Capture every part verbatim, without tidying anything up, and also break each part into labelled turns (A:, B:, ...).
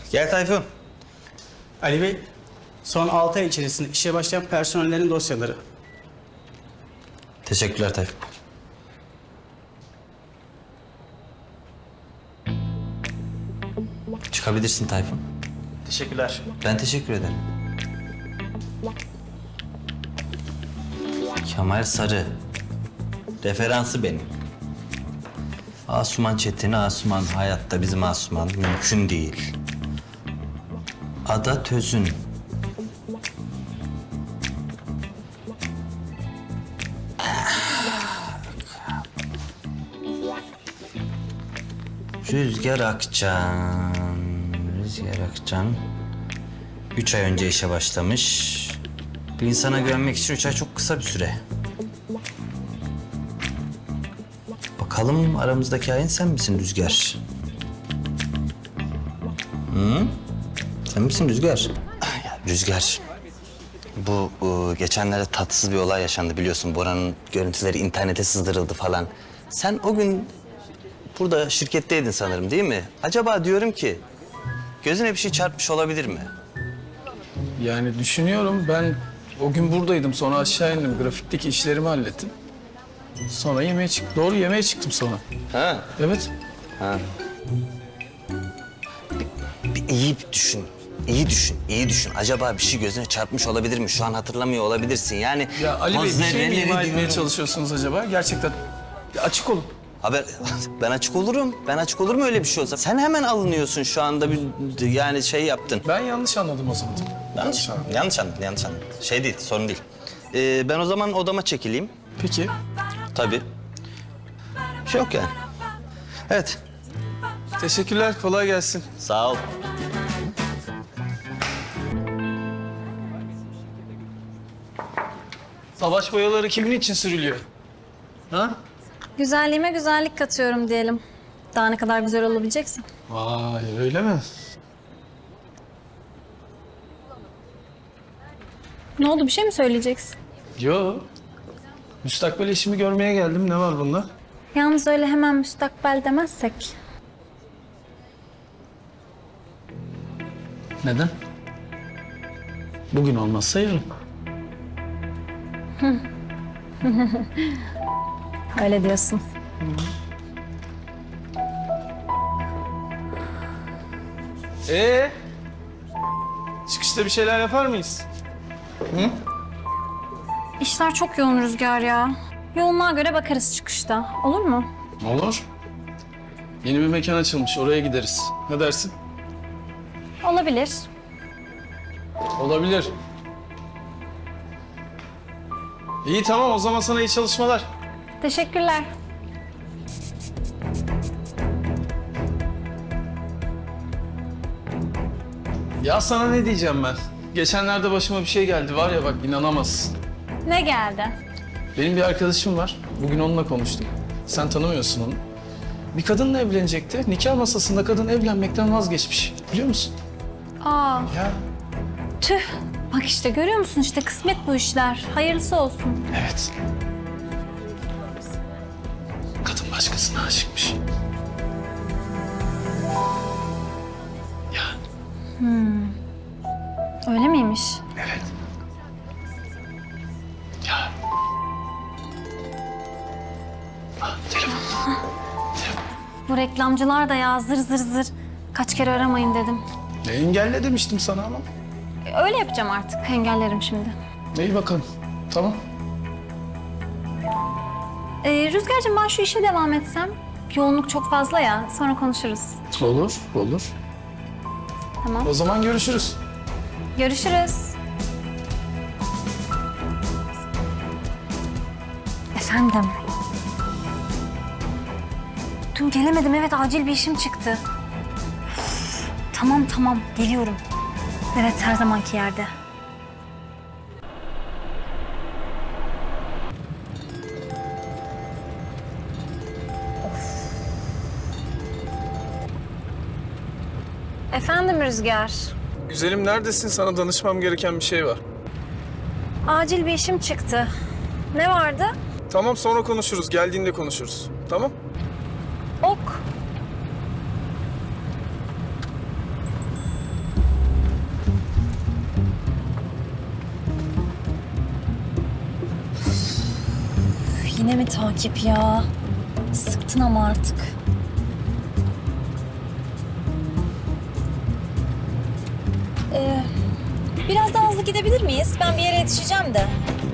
A: Gel Tayfun.
B: Ali Bey, son altı ay içerisinde işe başlayan personellerin dosyaları.
A: Teşekkürler Tayfun. Çıkabilirsin Tayfun.
B: Teşekkürler.
A: Ben teşekkür ederim. Kemal Sarı. Referansı benim. Asuman Çetin, Asuman hayatta bizim Asuman mümkün değil. Ada Tözün. Rüzgar Akcan. Rüzgar Akcan. Üç ay önce işe başlamış. Bir insana güvenmek için üç ay çok kısa bir süre. Bakalım aramızdaki hain sen misin Rüzgar? Hı? Sen misin Rüzgar? Ya Rüzgar, bu e, geçenlerde tatsız bir olay yaşandı biliyorsun. Bora'nın görüntüleri internete sızdırıldı falan. Sen o gün burada şirketteydin sanırım değil mi? Acaba diyorum ki gözüne bir şey çarpmış olabilir mi?
C: Yani düşünüyorum, ben o gün buradaydım, sonra aşağı indim, grafikteki işlerimi hallettim. Sonra yemeğe çıktım. Doğru, yemeğe çıktım sonra.
A: Ha?
C: Evet.
A: Ha. Bir, bir iyi bir düşün. İyi düşün, iyi düşün. Acaba bir şey gözüne çarpmış olabilir mi? Şu an hatırlamıyor olabilirsin. Yani
C: Ya Ali Bey, bir şey mi
A: Hazreleri
C: ima etmeye
A: diyorum.
C: çalışıyorsunuz acaba? Gerçekten ya açık olun.
A: Haber, ben açık olurum. Ben açık olurum öyle bir şey olsa. Sen hemen alınıyorsun şu anda bir yani şey yaptın.
C: Ben yanlış anladım o zaman.
A: Yanlış, yanlış anladın, yanlış anladın. Şey değil, sorun değil. Ee, ben o zaman odama çekileyim.
C: Peki.
A: Tabii. Bir şey yok yani. Evet,
C: Teşekkürler, kolay gelsin.
A: sağ ol.
C: Savaş boyaları kimin için sürülüyor? Ha?
D: Güzelliğime güzellik katıyorum diyelim. Daha ne kadar güzel olabileceksin.
C: Vay, öyle mi?
D: Ne oldu, bir şey mi söyleyeceksin?
C: Yo. Müstakbel eşimi görmeye geldim. Ne var bunda?
D: Yalnız öyle hemen müstakbel demezsek.
C: Neden? Bugün olmazsa yarın.
D: Öyle diyorsun.
C: Ee? Çıkışta bir şeyler yapar mıyız?
D: İşler çok yoğun Rüzgar ya. Yoğunluğa göre bakarız çıkışta. Olur mu?
C: Olur. Yeni bir mekan açılmış, oraya gideriz. Ne dersin?
D: Olabilir.
C: Olabilir. İyi, tamam, o zaman sana iyi çalışmalar.
D: Teşekkürler.
C: Ya sana ne diyeceğim ben? Geçenlerde başıma bir şey geldi var ya, bak inanamazsın.
D: Ne geldi?
C: Benim bir arkadaşım var. Bugün onunla konuştum. Sen tanımıyorsun onu. Bir kadınla evlenecekti. Nikah masasında kadın evlenmekten vazgeçmiş. Biliyor musun?
D: Aa,
C: Ya.
D: tüh. Bak işte görüyor musun, işte kısmet bu işler. Hayırlısı olsun.
C: Evet. Kadın başkasına aşıkmış. Ya.
D: Öyle miymiş?
C: Evet. Ya. Ah, telefon.
D: Bu reklamcılar da ya zır zır zır. Kaç kere aramayın dedim.
C: Ne engelle demiştim sana ama.
D: E, Öyle yapacağım artık. Engellerim şimdi.
C: İyi bakalım. Tamam.
D: Ee, Rüzgar'cığım, ben şu işe devam etsem. Yoğunluk çok fazla ya. Sonra konuşuruz.
C: Olur, olur.
D: Tamam.
C: O zaman görüşürüz.
D: Görüşürüz. Efendim. Dün gelemedim. Evet, acil bir işim çıktı. Üf, tamam tamam, geliyorum. Evet, her zamanki yerde. Efendim Rüzgar.
C: Güzelim, neredesin? Sana danışmam gereken bir şey var.
D: Acil bir işim çıktı. Ne vardı?
C: Tamam, sonra konuşuruz. Geldiğinde konuşuruz. Tamam?
D: Ok. mi takip ya? Sıktın ama artık. Ee, biraz daha hızlı gidebilir miyiz? Ben bir yere yetişeceğim de.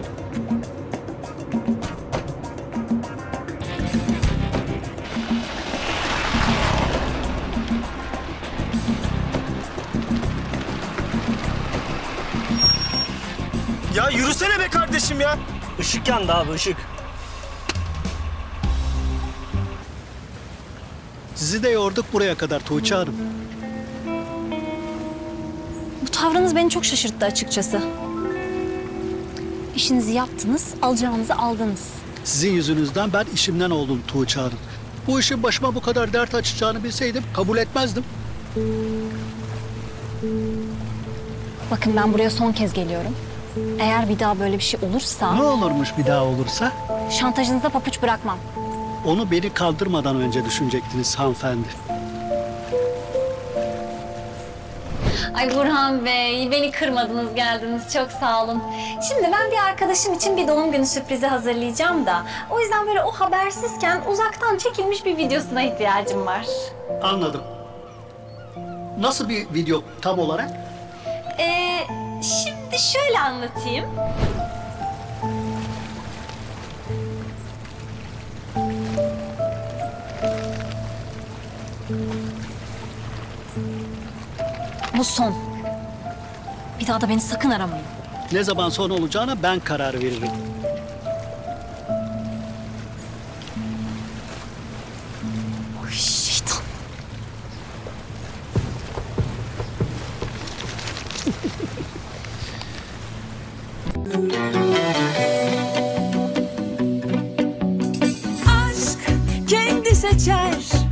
E: Ya yürüsene be kardeşim ya. Işık yandı abi, ışık.
F: Sizi de yorduk buraya kadar Tuğçe Hanım.
D: Bu tavrınız beni çok şaşırttı açıkçası. İşinizi yaptınız, alacağınızı aldınız.
F: Sizin yüzünüzden ben işimden oldum Tuğçe Hanım. Bu işin başıma bu kadar dert açacağını bilseydim kabul etmezdim.
D: Bakın ben buraya son kez geliyorum. Eğer bir daha böyle bir şey olursa
F: Ne olurmuş bir daha olursa?
D: şantajınıza papuç bırakmam.
F: Onu beni kaldırmadan önce düşünecektiniz hanımefendi.
D: Ay Burhan Bey, beni kırmadınız, geldiniz. Çok sağ olun. Şimdi ben bir arkadaşım için bir doğum günü sürprizi hazırlayacağım da... o yüzden böyle o habersizken uzaktan çekilmiş bir videosuna ihtiyacım var.
F: Anladım. Nasıl bir video tam olarak?
D: Ee, şimdi şöyle anlatayım. Bu son. Bir daha da beni sakın aramayın.
F: Ne zaman son olacağına ben karar veririm.
D: Oy şeytan.
G: aşk kendi seçer